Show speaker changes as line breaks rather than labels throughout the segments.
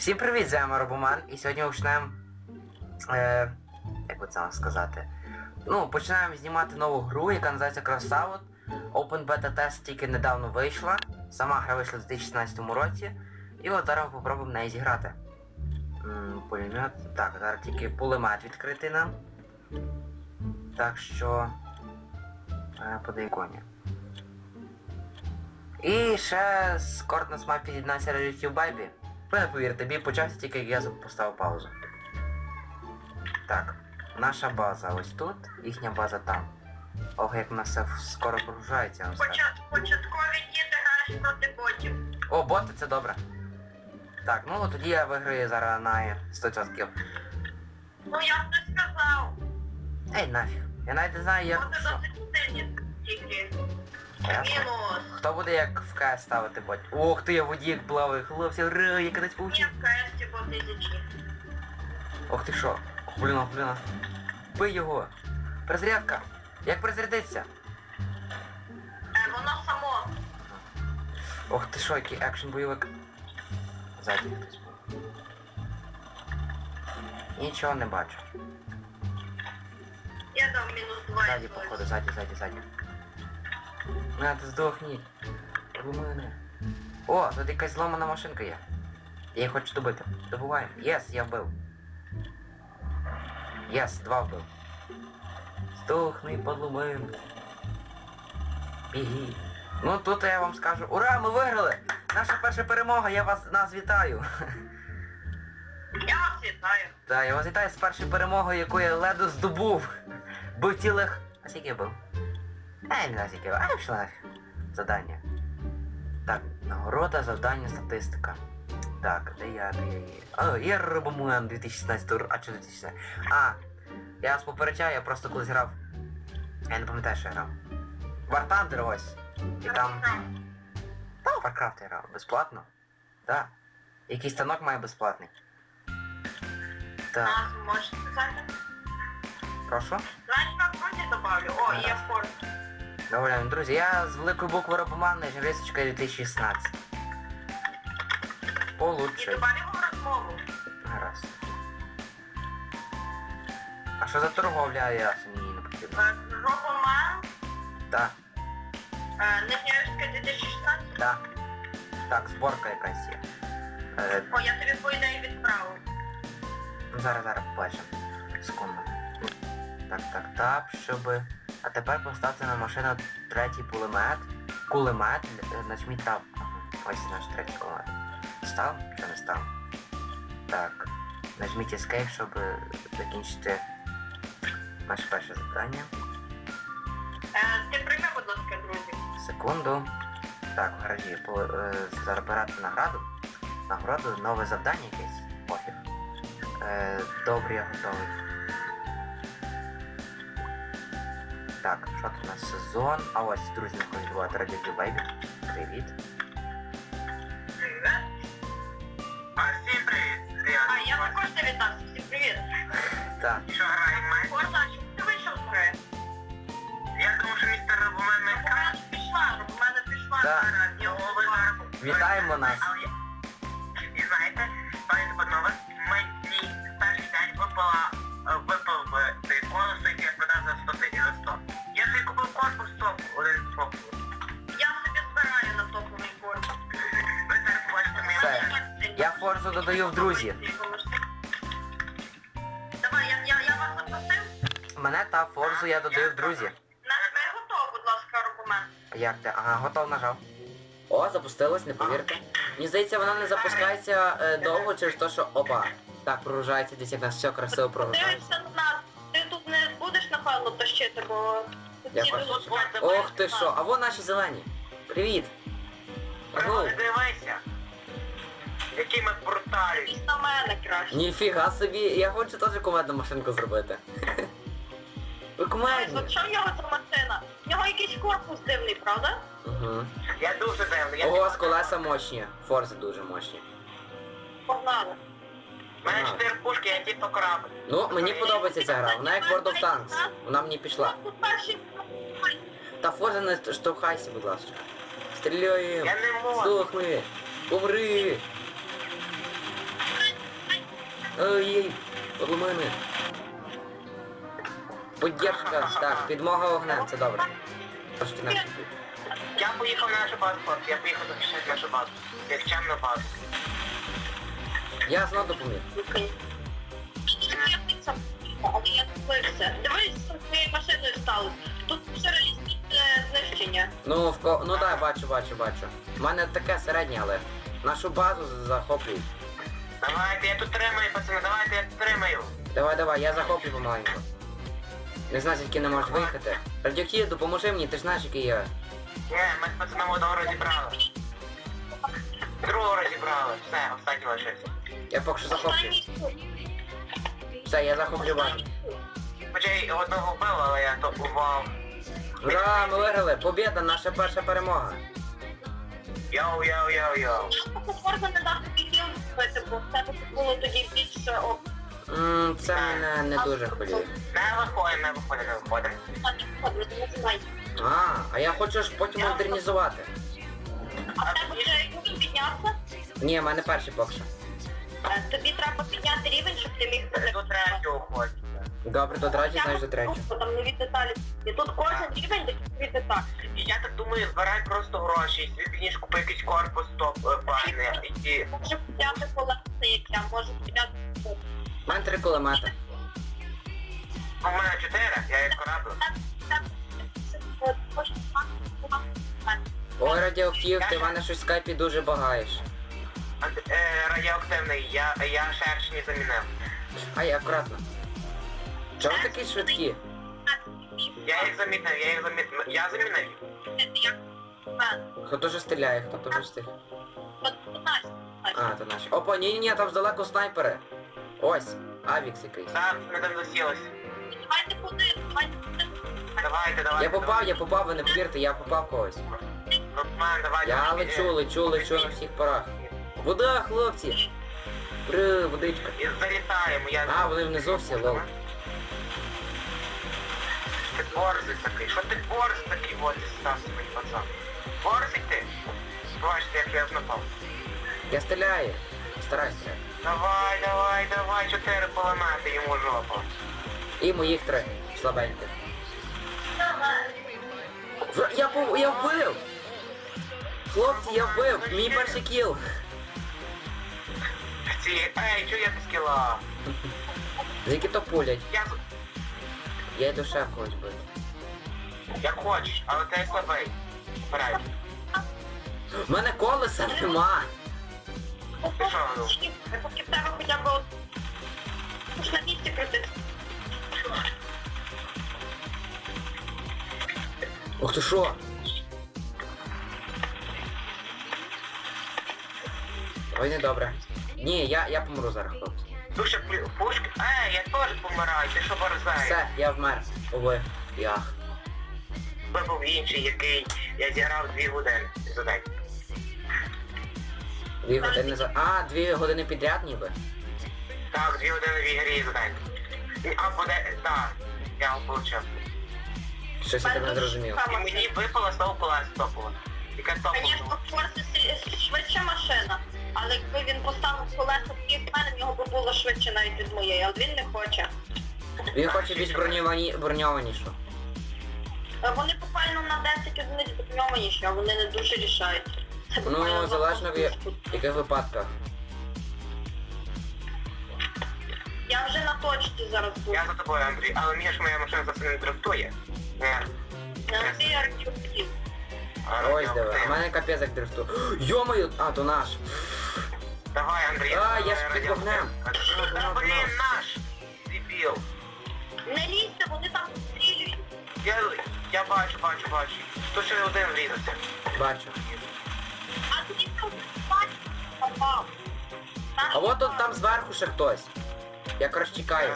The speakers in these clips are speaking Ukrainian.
Всім привіт, з вами Робоман, і сьогодні ми почнемо... як би це вам сказати? Ну, починаємо знімати нову гру, яка називається Crossout. Open Beta Test тільки недавно вийшла. Сама гра вийшла в 2016 році. І от зараз ми попробуємо в неї зіграти. Пулемет. Так, зараз тільки пулемет відкритий нам. Так що... подай коні. І ще скоро нас має під'єднатися YouTube Baby. Ви не повірте, бій почався тільки як я поставив паузу. Так, наша база ось тут, їхня база там. Ох, як в нас все скоро прогружається, я вам скажу.
Початкові діти грають проти ботів.
О, боти, це добре. Так, ну тоді я виграю зараз на 100%.
Ну я б не сказав.
Ей, нафіг. Я навіть не знаю, як...
Боти
що.
досить сильні тільки.
Ясно.
Мінус.
Хто буде як в КС ставити бот? Ух ти, я водік плаваю, хлопці, ура, я кудись
Ні,
получив.
в КС боти зічі.
Ох ти що? Блін. Бий його. Перезарядка. Як перезарядитися?
Воно само.
Ох ти що, який екшн бойовик. Ззаді хтось був. Нічого не бачу.
Я дав мінус 2.
Ззаді, походу, ззаді. На, ти здохніть. У мене. О, тут якась зламана машинка є. Я її хочу добити. Добуваємо. Єс, я вбив. Єс, 2 вбив. Здохни, подлумин. Біги. Ну тут я вам скажу. Ура, ми виграли! Наша перша перемога, нас вітаю.
Я вас вітаю.
Так, я вас вітаю з першою перемогою, яку я ледо здобув. Бив цілих... А скільки я бив? Не знаю скільки я бив. Пішла нафіг. Задання. Так, нагорода, завдання, статистика. Так, де я є? О, є Робоман 2016 року. А, чи 2016? А, я вас попереджаю, я просто колись грав. Я не пам'ятаю, що я грав. War Thunder ось. І там... Там Warcraft я грав. Безплатно? Так. Якийсь станок має безплатний. Так,
Нас можете сказати?
прошу.
Значить на фронті добавлю. О, є форт.
Добре, друзі, я з великої букви Робоман, Журисочка 2016.
І
Получше.
добавимо розмову.
Гаразд. А що за торговля, я мені не потрібно.
Робоман,
Так,
Нижньоярська 2016.
так. Так, зборка якась є.
О, я тобі по ідеї відправив.
Зараз побачимо. Секунду. Так, щоб... А тепер поставте на машину третій пулемет. Кулемет, нажміть тап. Ага, ось наш третій кулемет. Став? Чи не став? Так. Нажміть Escape, щоб закінчити наше перше завдання.
Ти прийми, будь ласка, друзі.
Секунду. Так, в гаражі забирати награду. Нагороду, нове завдання якесь. Пофіг. Добре, я готовий. Так, що тут у нас сезон? А ось, друзі, знаходять бувати Radio Baby. Привіт.
Привіт.
Всім привіт!
А, я також не вітався. Всім привіт.
Так.
Що граємо?
Корза, чому ти вийшов з гри?
Я думаю, що містер Робомен не
Робоман пішла, Робомана пішла
Так.
зараз. Я говорю.
Вітаємо нас.
І знаєте, пані панове, мені перший день випав цей конус, який я продав за 100 тисяч за 100. Я вже купив корпус топ, один топ.
Я собі збираю на топовий корпус.
Ви зараз побачите мені.
Все. Я Форзу додаю в друзі.
Давай, я вас запросив.
Мене та Форзу я додаю в друзі.
Нажми готов, будь ласка, Робоман.
Як ти? Ага, готов, нажав. О, запустилось, не повірте. Мені здається, вона не запускається довго через те, що... Опа. Так, прогружається, десь як нас все красиво прогружається.
Подивишся на нас. Ти тут не будеш, напевно, тащити, бо...
Я
ці
бачу.
тут
Ох ти що, а вон наші зелені. Привіт. Агу.
Не дивися, які ми брутальні.
Ось на мене краще.
Ніфіга собі, я хочу теж кумедну машинку зробити. Ви кумедні.
От що в нього за машина? В нього якийсь корпус дивний, правда?
Угу.
Я дуже дивний.
Ого, з колеса мощні. Форзи дуже мощні.
Погнали.
У мене 4 пушки, я типу корабль.
Ну, мені подобається ця гра, вона як World of Tanks. Вона мені пішла.
Тут перший...
Та Форзи не штовхайся, будь ласка. Стріляємо.
Я не можу.
Здохни. Умри. Ой, подло мене. Поддержка, так, підмога вогнем, це добре. Трошки не
Я поїхав на нашу базу, хлопці, я поїхав захищати нашу базу. Як чемна базу.
Я знов допоміг.
Але я дивився. Дивись, з твоєю машиною сталося. Тут все реалістичне знищення.
Ну так, бачу. У мене таке середнє, але нашу базу захоплюють.
Давайте, я тут тримаю, пацани, давайте, я тут тримаю.
Давай, я захоплю помаленьку. Не знаю, звідки не можеш виїхати. Радіоактив, допоможи мені, ти ж знаєш, який я.
Ні, ми з пацаном одного розібрали. Другого розібрали. Все, останній лишився.
Я поки що захоплю.
Останній суд.
Все, я захоплю базу.
Хоча й одного вбив, але я то ував.
Ура, ми виграли! Побєда, наша перша перемога.
Йоу.
Можна не дати відео зробити, бо в тебе було тоді більше
Це мене не дуже хвилює.
Не виходимо.
А я хочу ж потім модернізувати.
А в тебе вже рівень піднявся?
Ні, в мене перший поки що.
Тобі треба підняти рівень, щоб ти міг
До третього ходить.
Добре, до третього, знаєш, до третього.
Там нові деталі. І тут кожен рівень де нові деталі.
І я так думаю, збирай просто гроші, і собі підніж купи якийсь корпус топ файний, і
Може підняти колеса, як я, може підняти.
У мене 3 кулемети.
у мене 4, я їх кораблю.
Ой, радіоактив, ти в мене щось в скайпі дуже багаєш.
Радіоактивний, я шершні замінив.
Ай, акуратно. Чого ви такі швидкі?
Я їх замінив. Я замінив.
Хто дуже стріляє, хто дуже стріляє. А, то наші. Опа, ні, там здалеку снайпери. Ось, авікс якийсь.
Так, ми там засілись.
Давайте подивимось,
Давайте.
Я попав, ви не повірте, я попав когось.
Ротман, давай.
Я лечу на всіх парах. Вода, хлопці! Водичка.
І залітаємо, я...
А, вони внизу всі, лол.
Ти борзий такий, що ти борзий такий, от, став свій пацан. Борзий ти? Бачите, як я напав.
Я стріляю. Старайся.
Давай, 4 поламати йому жопу.
І моїх 3. Слабеньких. Я вбив! Хлопці, я вбив! Мій перший кіл!
Ей, чого я без кіла?
Звідки то пулять?
Я...
Я йду ще когось бити.
Як хочеш, але ти слабий. Вперед.
В мене колеса нема!
Ти що, ну?
поки в тебе хоча б на місці крутити.
Ух ти що? Ой, не добре. Ні, я помру зараз, хлопці.
Душа пушки. Я теж помираю, ти що борзаєш?
Все, я вмер. Ови. Ях.
Це був інший, який я зіграв 2 години за день.
2 години за... А, 2 години підряд ніби.
Так, 2 години в ігрі за день. А буде... Так, я його получив.
Щось я тебе не зрозумів.
І мені випала знову колеса топова. Яка топова?
Звісно, Форсі швидша машина, але якби він поставив колеса в мене, в нього би було швидше навіть від моєї, але він не хоче.
Він хоче більш броньованішу.
Вони буквально на 10 одиниць броньованіші, а вони не дуже рішають. Це буквально
Ну, залежно в яких випадках.
Я вже на точці зараз буду.
Я за тобою, Андрій, але мені ж моя машина зовсім не дрифтує.
На цій архівці.
Ось диви, а в мене капець як дрифту. Йо-моє, а, то наш.
Давай, Андрій.
А, я ж під вогнем.
Блін, наш! Дебіл.
Не лізьте, вони там стрілюють.
Я бачу. То ще один врізався.
Бачу.
А тоді там попав.
А от тут там зверху ще хтось. Я коротше чекаю.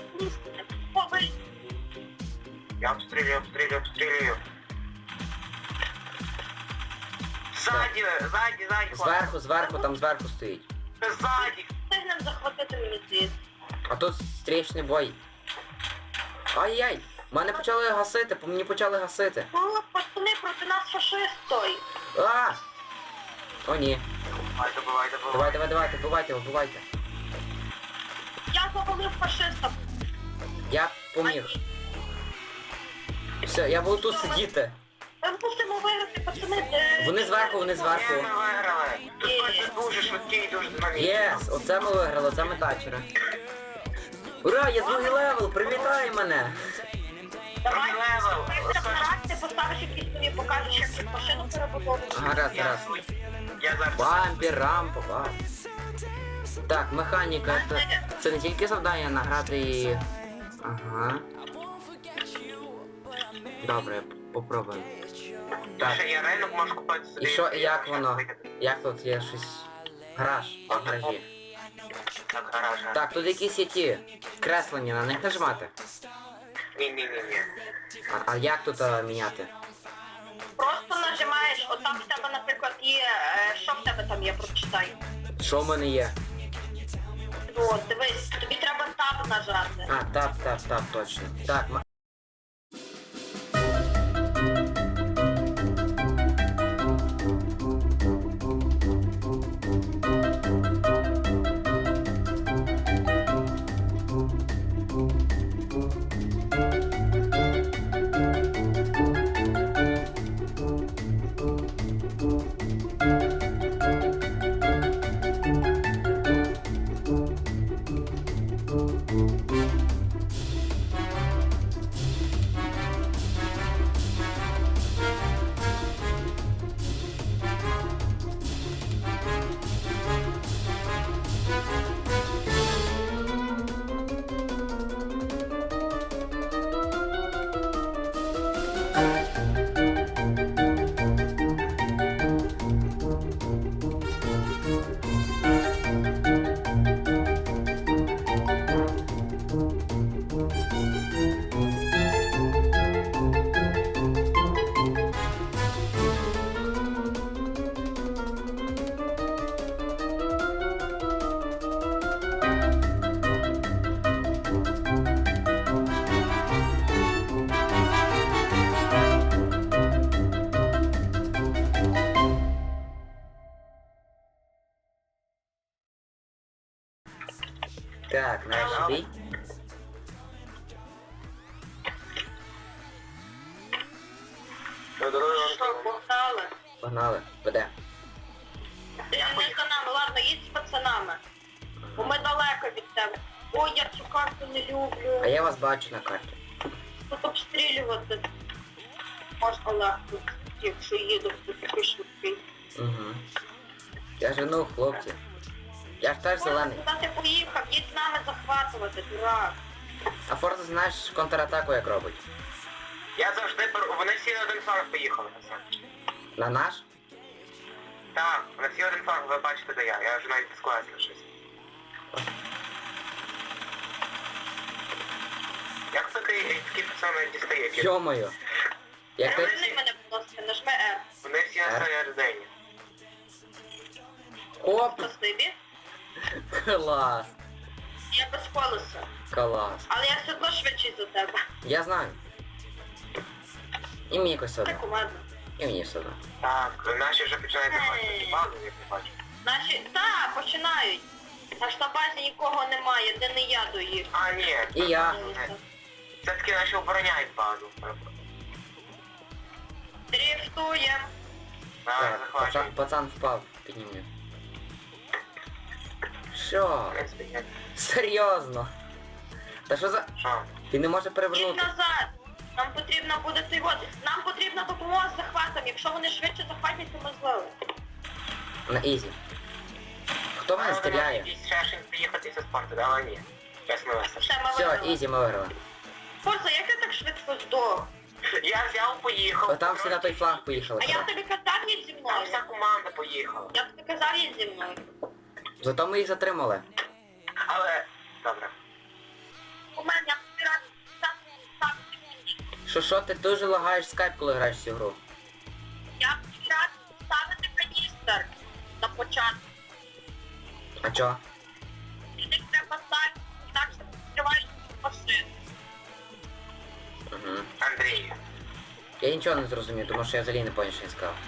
Я обстрілюю. Ззаді,
Зверху, там зверху стоїть.
Ззаді.
Встигнем захватити мені здається.
А тут стрічний бой. Ай-яй! Мене почали гасити, мені почали гасити.
Ну, пацани, проти нас фашист той.
А! О ні.
Давай.
Давайте, вбивайте.
Я завалив фашиста.
Я поміг. Все, я буду тут сидіти.
Ми мусимо виграти, пацани.
Вони зверху, вони зверху.
Ми виграли. Тут просто дуже швидкий, дуже динамічний.
Єс, оце ми виграли, оце ми тачери. Ура, я другий левел, привітай мене!
Давай,
Левел.
ти поставиш якісь тобі, покажеш, як цю машину перебудовувати.
Гаразд,
Я
гаразд.
я зараз.
Бампер, рампа, бам. Так, механіка, це не тільки завдання награти і... Ага. Добре, попробуємо. Так,
Ще я реально можу купити собі.
і що, і як воно? Як тут є щось? Гараж, в гаражі.
Так, гараж.
Так, тут якісь є ті креслення, на них нажимати.
Ні.
А як тут міняти?
Просто нажимаєш, отам в тебе, наприклад, є, що в тебе там є, прочитай.
Що в мене є?
От, дивись, тобі треба таб нажати.
А, так, точно. Так, так, наш бій.
Що, погнали?
Погнали, веде.
Ти не за нами, ладно, їдь з пацанами. Бо ми далеко від тебе. Ой, я цю карту не люблю.
А я вас бачу на карті.
Тут обстрілювати можна легко, якщо їду в такий швидкий.
Угу. Я жену, хлопці. Я ж теж зелений.
Куди ти поїхав? Їдь з нами захватувати, дурак.
А Форза знаєш контратаку як робить?
Я завжди беру. Вони всі на один фарм поїхали.
На наш?
Так, вони всі один фарм, ви бачите, де я. Я вже навіть склався щось. Як такі пацани дістає?
Йо-моє. Як ти...
Верни мене, будь ласка, нажми R.
Вони всі на середині.
Оп!
Спасибі.
Клас!
Я без колеса.
Клас.
Але я все одно швидший за тебе.
Я знаю. І мені якось
Це
одно.
кумедно.
І мені все одно.
Так, наші вже починають заходити базу, як не бачу.
Наші... Так, починають. Аж на базі нікого немає, де не я доїв.
А, ні.
І я.
Все-таки наші обороняють базу.
Дріфтуєм.
Давай,
Так,
захвачуй.
пацан впав. Піднімлю. Що?
В принципі, ні.
Серйозно? Та що за...
Що?
Ти не можеш
Їдь
перевернути.
назад. Нам потрібно буде цей вот. Нам потрібна допомога з захватом. Якщо вони швидше захватять, то ми злили.
На ізі. Хто мене стріляє?
Якийсь ще щось приїхати зі спорту, да, але ні. Чесно весело.
Все, ми
Все,
виграли.
ізі, ми виграли.
Форза, як я так швидко здох?
Я взяв, поїхав.
Отам всі на той фланг поїхали.
А я тобі казав, їдь зі
Там
мною.
вся команда поїхала.
Я тобі казав, їдь зі мною.
Зато ми їх затримали.
Але... Добре.
У мене я тобі радий.
Що, ти дуже лагаєш скайп, коли граєш в цю гру?
Я тобі радий ставити каністр на початку.
А чо?
І ти треба ставити, так що відкриваєш машину.
Угу.
Андрій.
Я нічого не зрозумів, тому що я взагалі не поняв, що він сказав.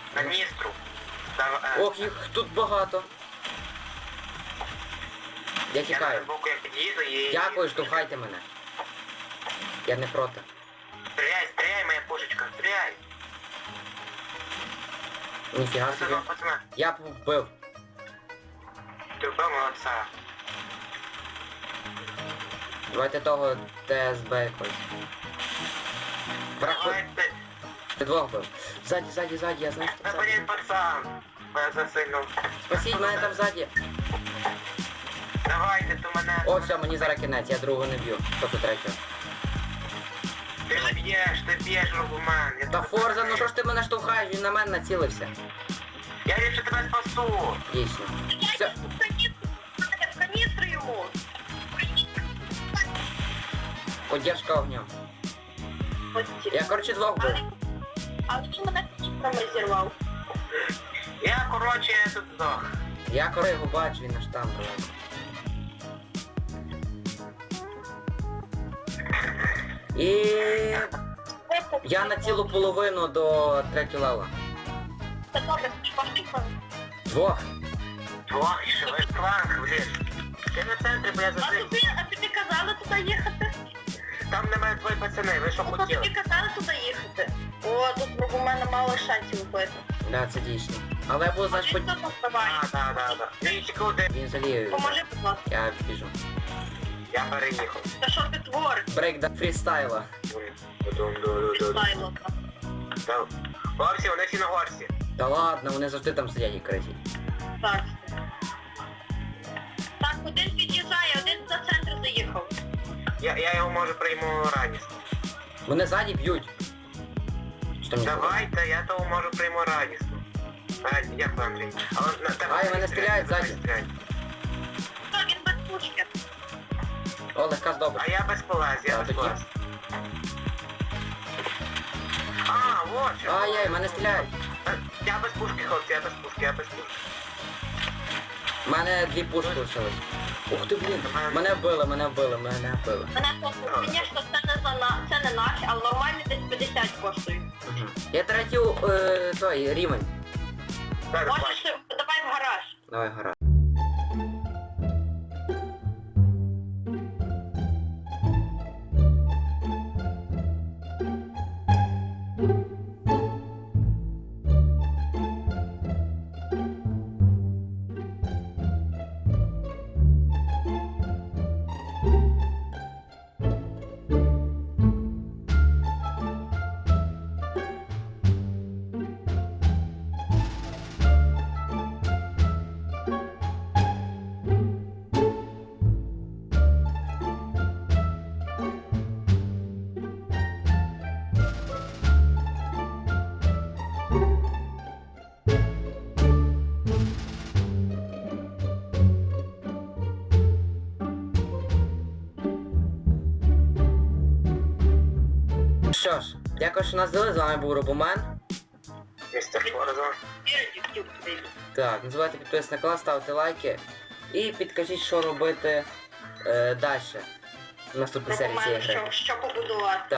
Каністру. Там,
Ох, їх тут багато. Я
Я
тікаю.
на боку як під'їду і...
Дякую, штовхайте мене. Я не проти.
Стріляй, стріляй, моя пушечка, стріляй.
Ніфіга
Це
собі.
два пацана.
Я вбив.
Ти вбив молодця.
Давайте того ТСБ якось. Врахуй.
Давайте.
Ти двох вбив. Ззаді, я знаю, що
Та
там ззаді.
блін, пацан. Я засильнув.
Спасіть мене там ззаді.
Давайте, то мене...
О, все, мені зараз кінець, я другого не б'ю. Тобто третього.
Ти ж б'єш, Робомен. Я
Та
тебе
Форза, ну
прикрию.
що ж ти мене штовхаєш, він на мене націлився.
Я ліпше тебе спасу.
Дійсно. Все.
В каністру йому.
Поддержка огнем. Я, коротше, двох вбив.
Але він мене каністрами зірвав.
Я, коротше, тут здох.
Я коли його бачу, він аж там далеко. І я на цілу половину до третього левела.
Це добре, пошли.
Двох.
Двох, і ще весь фланг, блін. Ти на центрі, бо я завжди...
А тобі казали туди їхати?
Там на мене твої пацани, ви що
Ну, то
хотіли?
тобі казали туди їхати. О, тут у мене мало шансів вбити.
Да, це дійсно. Але я буду, знаєш,
Він тут вбиває.
Да. Він тільки один.
Він жаліє.
Поможи, будь ласка.
Я біжу.
Я переїхав.
Та що ти твориш?
Брейк да фрістайла.
Фрістайло.
Та- Горсі, вони всі на горсі.
Та ладно, вони завжди там сидять і кричать.
Так. Так, один під'їжджає, один за центр заїхав.
Я його може прийму радісно.
Вони ззаді б'ють. Що мені говорить?
Давайте, я того можу прийму радісно. Дякую, Андрій. Але на тебе
Ай, мене стріляють ззаді.
стріляють.
Так, він без пушки.
О, легка здобич.
А я без полез, я
А,
без
тоді?
полез. А, вот що.
Ай-яй, мене стріляють.
Я без пушки, хлопці, я без пушки.
У мене дві пушки лишились. Ух ти, блін. Мене вбили.
Мене просто, звісно, це не наш, але нормально десь 50 коштує.
Угу. Я третій той рівень.
Так,
Можеш, давай в гараж.
Давай, гора. Що ж, дякую, що нас дали. З вами був Робомен.
Містер Форза.
Так, не забувайте підписатися на канал, ставити лайки. І підкажіть, що робити далі. В наступній серії цієї гри.
Що побудувати.